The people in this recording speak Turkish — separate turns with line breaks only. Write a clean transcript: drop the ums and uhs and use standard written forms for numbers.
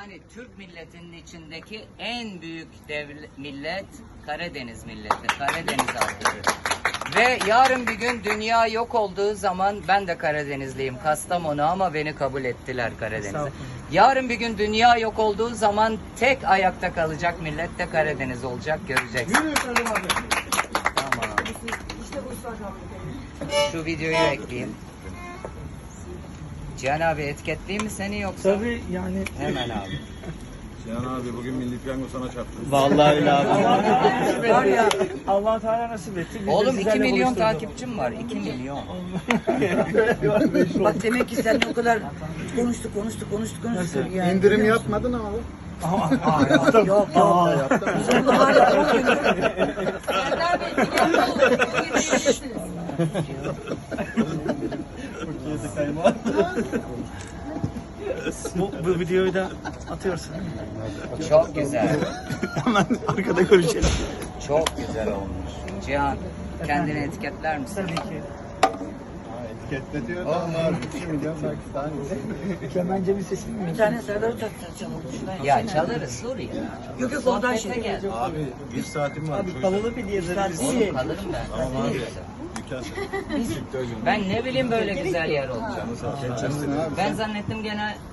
Yani Türk milletinin içindeki en büyük millet Karadeniz milleti, Karadeniz halkı. Ve yarın bir gün dünya yok olduğu zaman, ben de Karadenizliyim, Kastamonu, ama beni kabul ettiler Karadeniz'e. Yarın bir gün dünya yok olduğu zaman tek ayakta kalacak millet de Karadeniz olacak, göreceksin. Tamam. Şu videoyu ekleyeyim. Cihan abi etiketleyeyim mi seni yoksa?
Tabii yani.
Hemen abi.
Cihan abi bugün Milli Piyango sana çarptı.
Vallahi öyle abi. Var ya, Allah Teala nasip etti. Biz de
Oğlum 2
sizlerle
milyon
buluşturduk.
takipçim var. 2 milyon.
Bak demek ki seninle o kadar konuştuk yani.
İndirim yapmadın ama.
Yaptım.
Yok yok. Biz onu hala 10 gündür.
Serdar Bey, dikkatli olun. Bugün yetişirsiniz.
Bu videoyu da atıyorsun değil mi?
Çok güzel.
Hemen arkada görüşelim.
Çok güzel olmuş. Cihan, kendini etiketler misin?
Tabii ki.
Etikette onlar 2 milyon Pakistan.
Kemencemin sesini mi?
Bir tane Serdar Uçak çalalım. Şuradan
Ya çalarız, dur ya.
Yok yok oradan
Sohbete
şey.
gel.
Abi 1 saatim var.
Abi kalalı bir diye veririz.
Oğlum kalırım ben.
Tamam abi. Dükkan
Ben ne bileyim böyle güzel yer olacak.
sen.
Ben zannettim gene